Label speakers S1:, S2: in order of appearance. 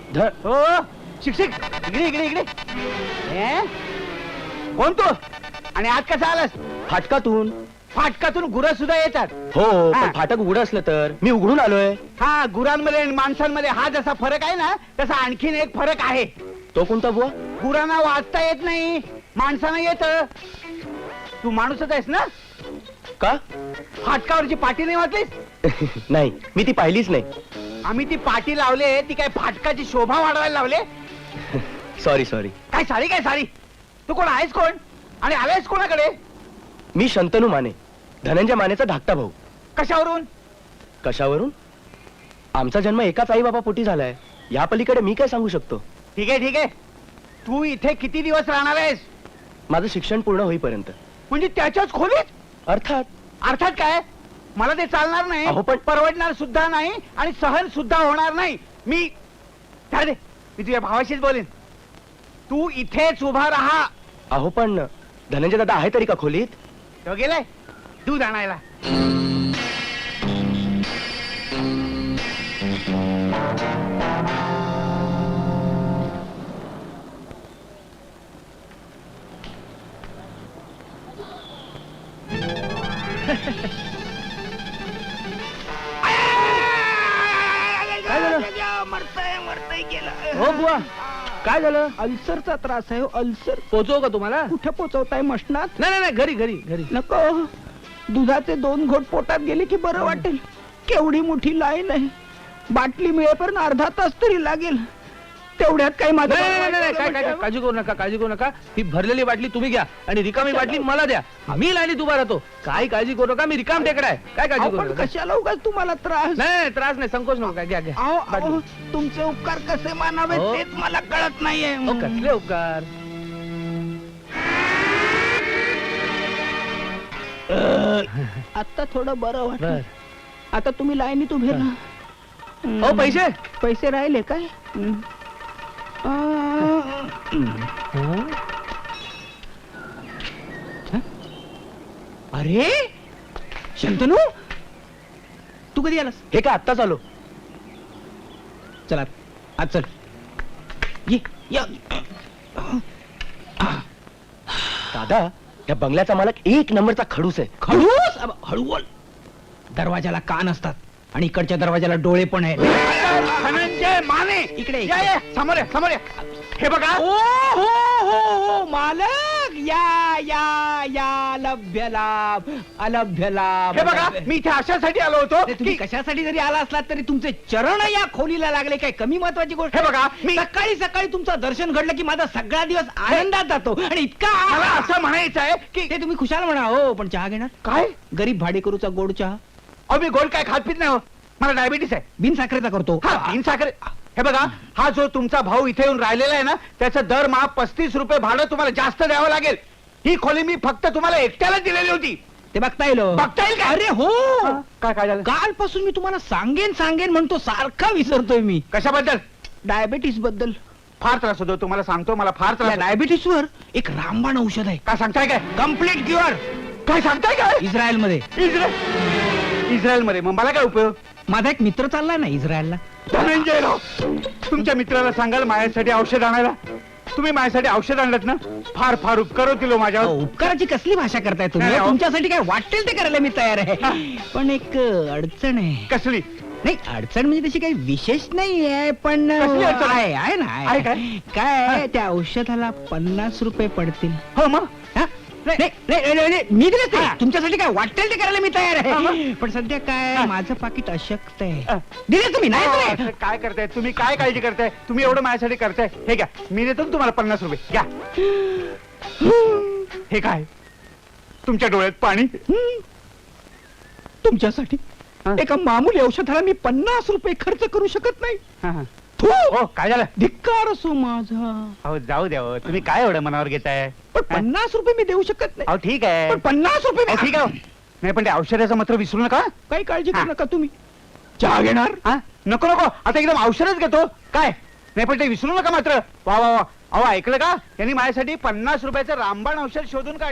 S1: हो शिक्षक इकडे इकडे इकडे. कोण तू आणि आज कसा आलास?
S2: फाटकातून.
S1: फाटकातून गुरं सुद्धा येतात.
S2: हो
S1: हा.
S2: पण फाटक उघड असलं तर मी उघडून आलोय.
S1: हा गुरांमध्ये आणि माणसांमध्ये हा जसा फरक आहे ना तसा आणखीन एक फरक आहे.
S2: तो कोणता बुवा?
S1: गुरांना वाचता येत नाही, माणसांना येत. तू माणूसच आहेस ना?
S2: का?
S1: फाटकावरची पाटी नाही वाचलीस?
S2: नाही, मी ती पाहिलीच नाही.
S1: आम्ही ती पाटी लावले, ती काय फाटकाची शोभा वाढवायला लावले?
S2: Sorry sorry.
S1: काय सारी काय सारी? तू कोण आहेस कोण आणि आलायस कोणाकडे?
S2: मी शंतनू माने, धनंजय मानेचा धाकटा भाऊ.
S1: कशावरून?
S2: कशावरून? आमचा जन्म एकाच आई बाबा पोटी झालाय. या पलीकडे मी काय सांगू शकतो?
S1: ठीक आहे ठीक आहे. तू इथे किती दिवस राहणार आहेस?
S2: माझं शिक्षण पूर्ण होईपर्यंत.
S1: म्हणजे त्याच्याच खोलीत?
S2: अर्थात.
S1: अर्थात काय? मला ते चालणार नाही.
S2: अहो, पण
S1: परवडणार सुद्धा नाही आणि सहन सुद्धा होणार नाही. मी तुझ्या भावाशीच बोलेन. तू इथेच उभा राहा.
S2: अहो पण धनंजय दादा आहे तरी का खोलीत?
S1: तो गेलाय दूध आणायला.
S2: काय झालं?
S1: मरतय गेलं.
S2: हो बुवा, काय झालं?
S3: अल्सरचा त्रास आहे. अल्सर.
S2: पोचव का तुम्हाला?
S3: कुठे पोचवताय? मशनात?
S2: नाही नाही, घरी घरी घरी.
S3: नको. दुधाचे 2 घोट पोटात गेले की बरं वाटेल. केवढी मोठी लाईन आहे. बाटली मिळेपर्यंत अर्धा तास तरी लागेल. तेवढ्यात काही माझं
S4: काय काळजी करू नका, काळजी करू नका. ही भरलेली बाटली तुम्ही घ्या आणि रिकामी बाटली मला द्या. मी लाईनीत उभा राहतो. काय काळजी करू नका, मी रिकाम टेकडा आहे. काय काळजी करू
S3: पण
S4: नका.
S3: कशाला उगाच तुम्हाला त्रास?
S4: नाही त्रास नाही, संकोच नका. घ्या घ्या
S3: अहो,
S4: बाटली.
S3: अहो, तुमचे उपकार कसे मानावे
S4: हो.
S3: तेच मला कळत नाहीये.
S4: अहो, कसले उपकार?
S3: आता थोडं बरं
S4: बर.
S3: वाटलं. आता तुम्ही लाईनीत उभे राहा.
S4: अहो पैसे.
S3: पैसे राहिले काय?
S1: अरे शंतनू, तू कधी आलास?
S2: हे काय आत्ताच आलो.
S1: चला आज चल. ये या.
S2: दादा, त्या बंगल्याचा मालक 1 नंबरचा खडूस आहे.
S1: खडूस? हळू बोल. दरवाजाला कान असतात आणि इकडच्या दरवाजाला डोळे पण आहेत. धनंजय माने
S3: इकडे,
S1: या, या, समोर या, समोर या. हे बघा.
S3: ओ हो हो मालक, या या या लभ्य लाभ, अलभ्य लाभ.
S1: हे बघा, मी इथे अशासाठी आलो होतो
S3: तुम्ही
S1: की
S3: कशासाठी जरी आला असलात तरी तुमचे चरण या खोलीला लागले. काय कमी महत्वाची गोष्ट?
S1: हे बघा, मी
S3: सकाळी सकाळी तुमचं दर्शन घडलं की माझा सगळा दिवस आनंदात जातो. आणि इतका
S1: मला असं म्हणायचं आहे की
S3: ते तुम्ही खुशाल म्हणा. हो पण चहा घेणार?
S1: काय?
S3: गरीब भाडेकरूचा गोड चहा.
S1: अहो मी गोड काय खात पित नाही हो. मला डायबिटीस आहे.
S3: बिन साखरेचा करतो.
S1: हा बिन साखर. हे बघा, हा जो तुमचा भाऊ इथे येऊन राहिलेला आहे ना, त्याचं दरमहा 35 रुपये भाडं तुम्हाला जास्त द्यावं लागेल. ही खोली मी फक्त तुम्हाला एकट्याला दिलेली होती.
S3: ते बघता येईल.
S1: बघता येईल का?
S3: अरे हो,
S1: काय काय झालं?
S3: कालपासून मी तुम्हाला सांगेन सांगेन म्हणतो, सारखा विसरतोय मी.
S1: कशाबद्दल?
S3: डायबिटीस बद्दल.
S1: फार त्रास होतो तुम्हाला सांगतो. मला फार त्रास होतो.
S3: डायबिटीस वर एक रामबाण औषध आहे.
S1: काय सांगताय काय?
S3: Complete cure.
S1: काय सांगताय काय?
S3: इस्रायल मध्ये.
S1: इस्रायल मध्ये? मग मला काय उपयोग?
S3: माझा एक मित्र चाललाय ना इस्रायलला.
S1: धनंजय राव, तुमच्या मित्राला सांगाल माझ्यासाठी औषध आणायला. तुम्ही माझ्यासाठी औषध आणलं ना, फार फार उपकार होतील माझ्यावर.
S3: उपकाराची कसली भाषा करताय तुम्ही?
S1: नाही, अहो.
S3: तुमच्यासाठी काय वाटेल ते करायला मी तयार आहे. पण एक अडचण आहे.
S1: कसली?
S3: नाही अडचण म्हणजे तशी काही विशेष नाही आहे, पण
S1: कसली अडचण?
S3: आहे ना.
S1: आहे काय?
S3: काय आहे, त्या औषधाला 50 रुपये पडतील.
S1: हो मग
S3: हा? नाही, नाही, नाही, नाही, मी दिले
S1: हा.
S3: तुमच्यासाठी काय वाटेल ते करायला मी तयार
S1: हा, हा.
S3: आहे. पण सध्या काय
S1: हा.
S3: माझं पाकिट अशक्त
S1: हा.
S3: आहे. दिले तुम्ही नाही दिले?
S1: असं काय करताय तुम्ही? काय काळजी करताय तुम्ही? एवढं माझ्यासाठी करताय. हे घ्या, मी देतो ना तुम्हाला 50 रुपये. घ्या. हे काय? तुमच्या डोळ्यात पाणी?
S3: तुमच्यासाठी
S1: हा.
S3: एका मामूली औषधाला मी 50 रुपये खर्च करू शकत नाही.
S1: हा, हा.
S3: थू!
S1: हो, काय झालं?
S3: धिक्कार असो माझा.
S1: अहो जाऊ द्या हो. तुम्ही काय एवढं मनावर घेताय?
S3: पण 50 रुपये मी देऊ शकत नाही.
S1: अहो ठीक आहे.
S3: पण 50 रुपये
S1: अहो, ठीक आहे हो. नाही पण त्या औषधाचं मात्र विसरू नका.
S3: काही काळजी
S1: हा.
S3: करू नका तुम्ही. चहा घेणार?
S1: हा? नको नको, आता एकदम औषधच घेतो. काय नाही पण ते विसरू नका मात्र. वा वा वा. अहो ऐकलं का? त्यांनी माझ्यासाठी 50 रुपयाचं रामबाण औषध शोधून काढलं.